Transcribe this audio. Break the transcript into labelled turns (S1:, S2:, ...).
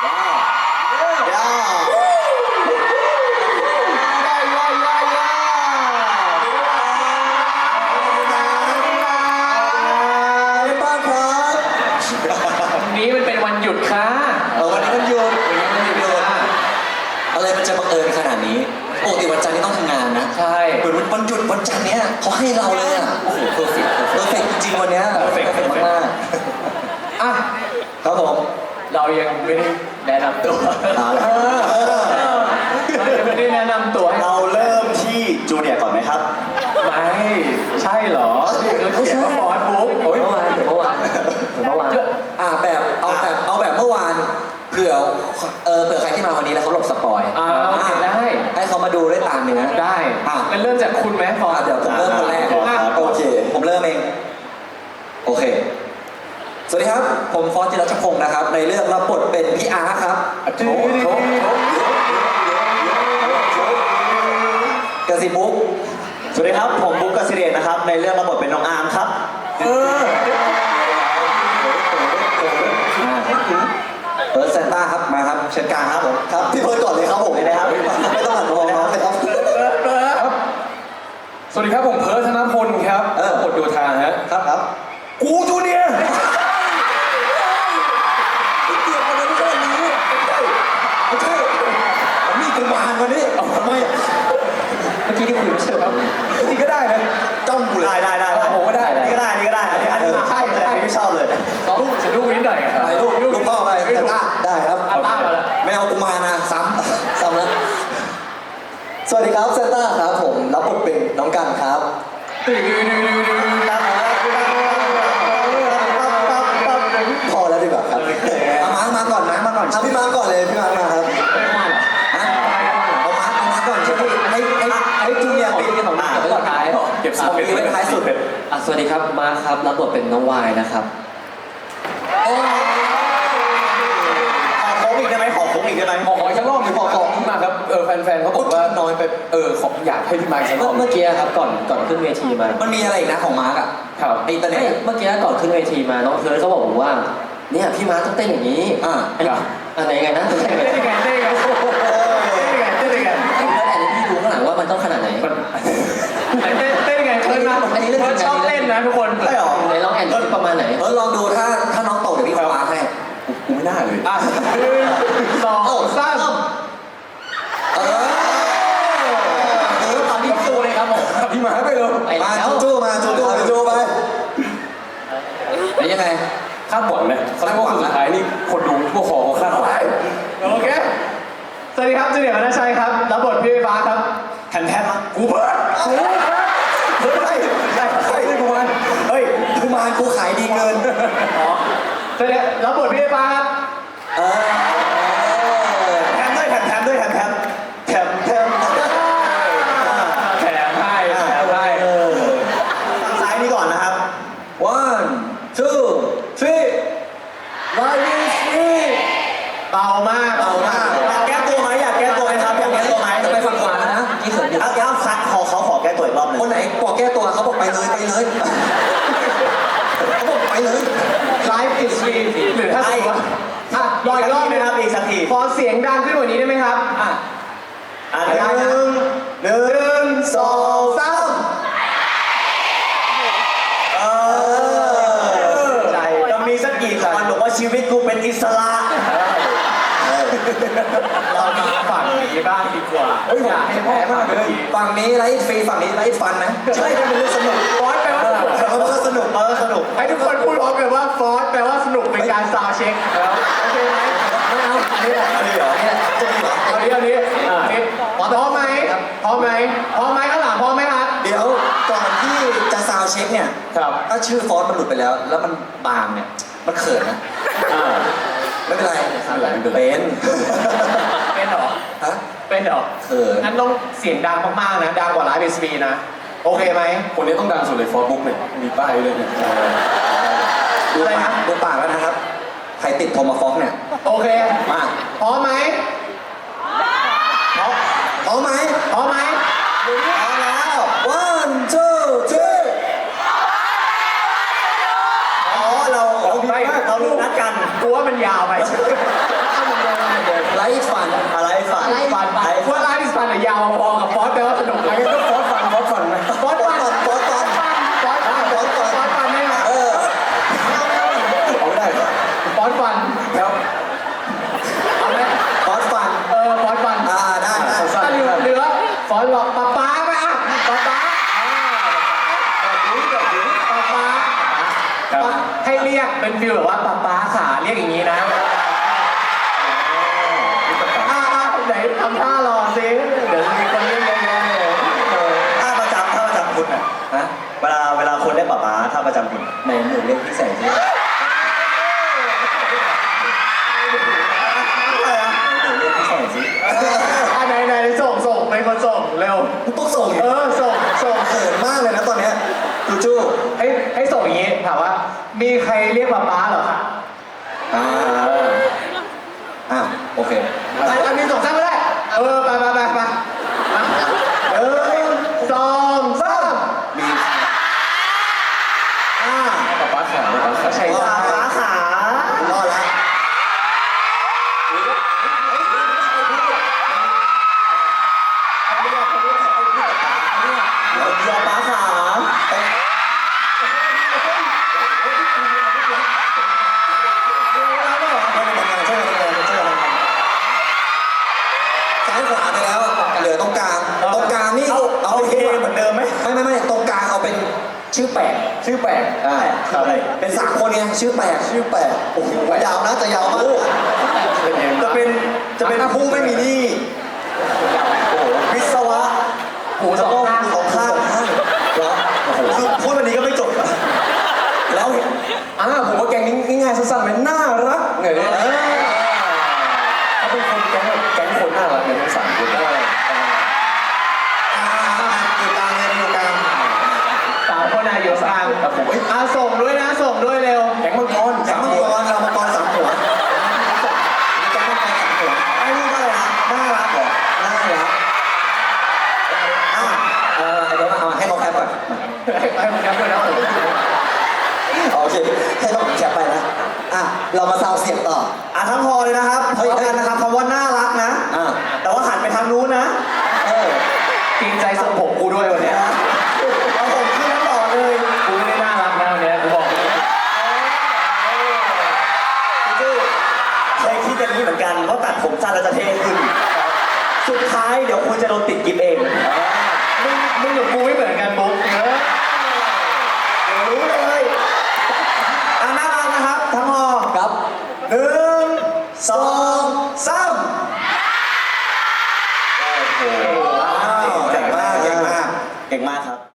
S1: นี้มันเป็นวันหยุดค่ะ
S2: วันนี้มันหยุดอะไรมันจะบังเอิญขนาดนี้ปกติวันจันทร์นี่ต้องทำงานนะ
S1: ใช่
S2: เหมือนวันหยุดวันจันทร์เนี้ยเขาให้เราเลยอ่ะโอ้โหเพอร์เฟกต์จริงๆวันเนี้ยเพอร์เฟกต์มาก
S1: อ่ะ
S2: ครับผม
S1: เรายังไม่ได้แนะนำตัวเรายังไม่ได้แนะนำตัว
S3: เราเริ่มที่จูเนียร์ก่อนไหมครับ
S1: ไม่ใช่เหรอเราเขียนว่าฟอสบุ๊ก
S2: เมื่อวานแบบเอาแบบเมื่อวานเผื่อใครที่มาวันนี้แล้วเขาหลบสปอย
S1: ได้
S2: ให้เขามาดูด้วยตาเนื้อ
S1: ได้งั้นเริ่มจากคุณไหมฟอส
S2: เดี๋ยวผมเริ่มคนแรกโอเคผมเริ่มเองโอเคสวัสดีครับผมฟอสจิรชพงศ์นะครับในเรื่องรับบทเป็นพี่อาร์ครับกสิบุ๊ก
S3: สวัสดีครับผมบุ๊กกสิเดชนะครับในเรื่องรับบทเป็นน้องอาร์มครับ
S2: เพิร์ดเซนต้าครับมาครับเชิญกลางครับผมครับพี่เพิร์ดก่อนเลยครับผมนะครับไม่ต้องหันมองน้องเลยครับ
S1: สวัสดีครับผมเพิร์ดธนพลครับบทโยธาฮะ
S2: ครับ
S1: กูจูเนียร์
S2: ไม่ใช่ผมมีกุมารวันนี้ทำไมเมื่อกี้ที่คุยไม่ใช่ครับ
S1: จริงก็ได้เลย
S3: จ้องกูเลยได้
S1: ผมก็ได้
S3: นี่ก็ได้อันนี้ใช่ไม่ชอบเลย
S1: ฉันลูกนิดหน่อย
S2: ไปลูกพ่อไปได้ครับ
S1: ต้ามาแล้ว
S2: ไม่เอากุมารนะซ้ำแล้วสวัสดีครับเซนต้าครับผมรับบทเป็นน้องกันครับพอแล้วดีกว่าครับมาก่อนพี่มาก่อนเลยพี่มาครับเอามาก่อนใช่ไหมให้จูเนียร์ปิดของหน้าไว้ก่อนท้าย
S1: เก็บ
S2: ไว้ท้ายสุด
S4: สวัสดีครับมาครับรับบทเป็นน้องวายนะครับ
S3: ขอโค้งอีกได้ไหมขอ
S1: อีกสักรอบหนึ่งขอขึ้นมาครับแฟนๆเขาบอกว่าน้อยไปขออยากให้พี่มาอีกสักรอบ
S4: เมื่อกี้ครับก่อนขึ้นเวทีมา
S2: มันมีอะไรอีกนะของมาร์กอ่ะ
S1: ครับ
S2: อินเทอร์เน็ต
S4: เมื่อกี้ก่อนขึ้นเวทีมาน้องเพิร์ดเขาบอกผมว่าเนี่ยพี่มาร์ต้องเต้นอย่างนี้อันไหนไงนะ
S1: เต้นยังไงพี่
S4: ดูข้างหลังว่ามันต้องขนาดไหน
S1: เต้นยังไงเพิร์ดนะอันนี้เพิร์ดชอบเต้นนะทุกคน
S2: ใช่หรอ
S4: ไหนลองแอนด์ประมาณไหน
S2: ลองดูถ้าน้องโตเดี๋ยวพี่ขอมาให้
S1: กูไม่น่าเลย2 3
S4: พี่สู้เลยครับผม
S1: พี่มาไปเลย
S2: มาจู้ไปแล้วยังไง
S1: คาดหวังนะเขาเรียกว่าคนสุดท้ายนี่คนดูพวกคอเขาคาดหวังโอเคสวัสดีครับจูเนียร์วรรณชัยครับรับบทพี่ฟ้าครับ
S3: แทน
S1: กูเพิร์ด
S2: กุมารกูขายดีเกิน
S1: สวัสดีรับบทพี่ฟ้าครับ
S3: แถมให้
S1: ซ้
S3: ายนี่ก่อนนะครับ
S2: 1 2 3 Live is free
S1: เบามาก
S3: อยากแก้ตัวไหมครับ
S2: จะไปฝั่งขวานะ
S3: นี่เขินเอาคัดเขาขอแก้ตัวอีกรอบนึง
S2: คนไหนบอกแก้ตัวเขาบอกไปเลยเขาบอกไปเลย
S1: Live is free หรือถ้าสมมติรออีกรอบนึงครับ
S3: อีกสักที
S1: ขอเสียงดังขึ้นกว่านี้ได้ไหมครับ
S3: 1 2 3จะมีสักกี่คนบอกว่าชีวิตกูเป็นอิสระ
S1: เรามาฝั่งนี้บ้างดีกว่าอยากให้แพ้มากเลย
S2: ฝั่งนี้ไลฟ์ฟรีฝั่งนี้ไลฟ์ฟันนะ
S3: ใช่เป็นเรื่องสนุก
S1: ฟอสแปลว่า
S3: สนุก
S1: ให้ทุกคนพูดพร้อมกันว่าฟอสแปลว่าสนุกเป็นการซาวเช็คโอเคไหม
S2: ไม่เอาอันนี้เหรอ
S1: พร้อมไหมข้างหลังพร้อมไหมครับ
S2: เดี๋ยวก่อนที่จะซาวเช็คเนี่ยถ้าชื่อฟอสมันหลุดไปแล้วมันบางเนี่ยมันเขินนะไม่เป็นไร
S1: เป็นหรอ
S2: เขิน
S1: งั้นต้องเสียงดังมากๆนะดังกว่าไลฟ์เบสบีนะโอเคไหมคนนี้ต้องดังสุดเลยฟอสบุ๊กเนี่ยมีป้ายเลยเนี่ย
S2: ดูปากแล้วนะครับใครติดโทมาฟ็อกเนี่ย
S1: โอเค
S2: มา
S1: พร้อมไหม
S2: พร้อมแล้ว 1 2 3
S3: เราลูกนัดกัน
S1: กูว่ามันยาวไป
S2: อะไรฟัน
S3: อะไรฝัน
S1: ฟันไปว่าไลฟ์ฟันยาวพอกับฟอสแปลว่าสนุกเลย
S3: ก็ฟอสฟันไหม
S1: ฟอสฟันฟอสฟันฟอสฟันฟอสฟันได้ไหม
S2: เอาได้
S1: ฟอสฟัน
S2: แล้ว
S1: เอาไหม
S2: ฟอสฟัน
S1: ฟอสฟัน
S2: ได้
S1: ถ้าเหลือฟอสบอกป๊าป๊าไหมอ่ะป๊าป๊าป๊าป๊าให้เรียกเป็นฟิลแบบว่าป๊าป๊าขาเรียกอย่างนี้นะไหนทำท่ารอซิเดี๋ยวมีคนเรียกเยอะแยะเลย
S3: ท่าประจำคุณอ่ะ
S2: ฮะ
S3: เวลาคนได้ป๋าท่าประจำคุณ
S2: ไหนหนูเรียกพี่แสงสิหนูเรียกพี่แสงสิ
S1: ไหนส่งเป็นคนส่งเร็ว
S2: ต้องส่ง
S1: ส่ง
S2: เขินมากเลยนะตอนเนี้ยจูจู
S1: ให้ส่งอย่างนี้ถามว่า มีใครเรียกป๊าป๊าเหรอคะ
S2: โอเค
S1: อันนี้ส่งซ้ำไม่ได้ไป1 2 3
S2: มี
S1: ป๊าป๊าขาใช่
S3: ป๋าขาร
S2: อดละ
S3: ยอป๋าขา
S2: ซ้ายขวาไปแล้วเหลือตรงกลางนี่
S3: เอา
S2: เป็น
S3: เฮเหมือนเดิมไหม
S2: ไม่ตรงกลางเอาเป็นชื่อแปลก
S3: อะไร
S2: เป็น3 คนไงชื่อแปลกโอ้โหยาวนะจะยาวมาก
S3: จะเป็นผู้ไม่มีหนี้วิศวะ
S1: หูสองข้าง
S3: สองข้าง
S2: เหรอ
S3: คือพูดวันนี้ก็ไม่จบ
S2: แล้วผมว่าแกงนี้ง่ายๆสั้นๆมันน่ารักไงเนี่ยเขาเป็นคนแก๊งคนน่ารักเลยทั้ง3 คนอยู่กลางเลยอยู่กลาง
S1: 3 คนอยู่กลาง
S2: แต่ผม
S1: ส่งด้วยเร็ว
S2: แก๊งมังกรเรามังกร3 หัวแก๊งมังกร3 หัว
S3: ไอ้นี่ก็เลยน่ารักเหรอ
S2: น่ารักเดี๋ยวเอาให้น้องแคปก่อน
S1: ให้ผมย้ำด้วยนะ
S2: โอเคให้น้องแคปไปนะเรามาซาวเสียงต่อ
S3: ทั้งพอเลยนะครับพอกันนะครับคำว่าน่ารักนะ แต่ว่าหันไปทางนู้นนะ
S1: จริงใจส่งผมกูด้วยวันนี้
S3: เอาผมขึ้นแล้วต่อเลย
S1: กูไม่ได้น่ารักนะวันนี้กูบอก
S3: เคยคิดอย่างนี้เหมือนกันว่าตัดผมสั้นแล้วจะเท่ขึ้น สุดท้ายเดี๋ยวคุณจะโดนติดกิฟเอง
S1: มึงกับกูไม่เหมือนกันบุ๊ก
S3: เดี๋ยวรู้เลยน่ารักนะครับ ทั้งพอ
S2: ครับ
S3: 1 2 3
S2: โอ้โหเก่งมาก
S3: เก่งมากครับ